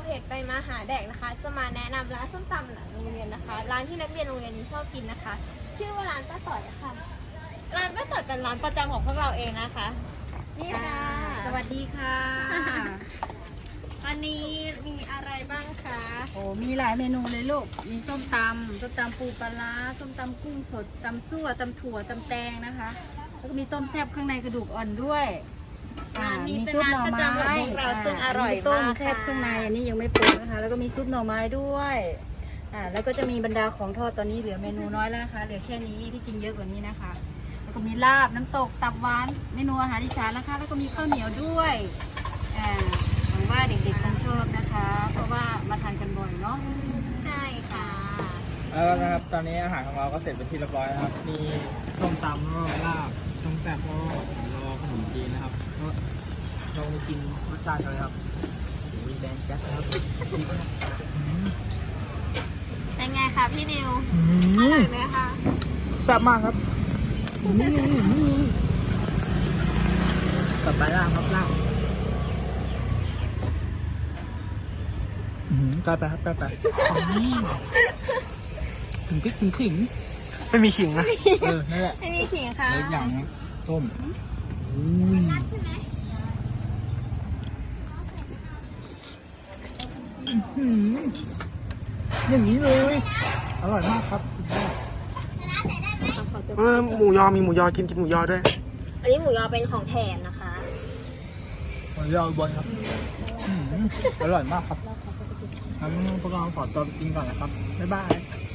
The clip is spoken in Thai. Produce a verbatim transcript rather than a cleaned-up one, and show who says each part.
Speaker 1: จไปมาหาแดกนะคะ จะมาแนะนำร้านส้มตำหลังโรงเรียนนะคะ ร้านที่นักเรียนโรงเรียนนี้ชอบกินนะคะ ชื่อว่าร้านป้าต่อยค่ะร้านป้าต่อยเป็นร้านประจำของพวกเราเองนะคะนี่ค่ะสวัสดีค่ะวันนี้มีอะไรบ้างคะ
Speaker 2: โอ้มีหลายเมนูเลยลูกมีส้มตำส้มตำปูปลาร้าส้มตำกุ้งสดตำซั่วตำถั่วตำแตงนะคะแล้วก็มีต้มแซ่บเครื่องในกระดูกอ่อนด้วย
Speaker 1: ร้านนี้เป็นร้านประจำของพวกเราซึ่งอร่อย
Speaker 2: ต้ม
Speaker 1: มาก
Speaker 2: แซ่บเครื่องในอันนี้ยังไม่ปรุงนะคะแล้วก็มีซุปหน่อไม้ด้วยอ่าแล้วก็จะมีบรรดาของทอดตอนนี้เหลือเมนูน้อยแล้วนะคะเหลือแค่นี้ที่จริงเยอะกว่านี้นะคะแล้วก็มีลาบน้ำตกตับหวานเมนูอาหารอีสานนะคะแล้วก็มีข้าวเหนียวด้วยอ่าหวังว่าเด็กๆคงชอบนะคะ เพราะว่ามาทานกันบ่อยเนาะ
Speaker 1: ใช่ค่ะ
Speaker 3: แล้วนะครับตอนนี้อาหารของเราก็เสร็จเป็นที่เรียบร้อยนะครับมีส้มตำแล้วก็ลาบต้มแซ่บแล้วก็รอขนมจีนนะครับก็ลองไปกินรสชาติกันเลยครับมีแบงค์แก๊สนะครับ
Speaker 1: เป็นไงคะพี่นิวอร่อยไหมคะ
Speaker 3: แซ่บมากครับต่อไปลาบครับลาบใกล้ไปครับใกล้ไปถึงพริกถึงขิงไม่มีขิงนะเออนั่นแหละ
Speaker 1: ไม่มีขิงค่ะ
Speaker 3: เล็กอย่างนะต้มอุ้ยอย่างนี้เลย อร่อยมากครับ
Speaker 4: เออหมูยอมีหมูยอกินกินหมูยอด้วย
Speaker 1: อันนี้หมูยอเป็นของแถมนะคะ
Speaker 3: หมูยอบนครับอร่อยมากครับงั้นพวกเราขอตัวไปกินก่อนนะครับ บ๊ายบาย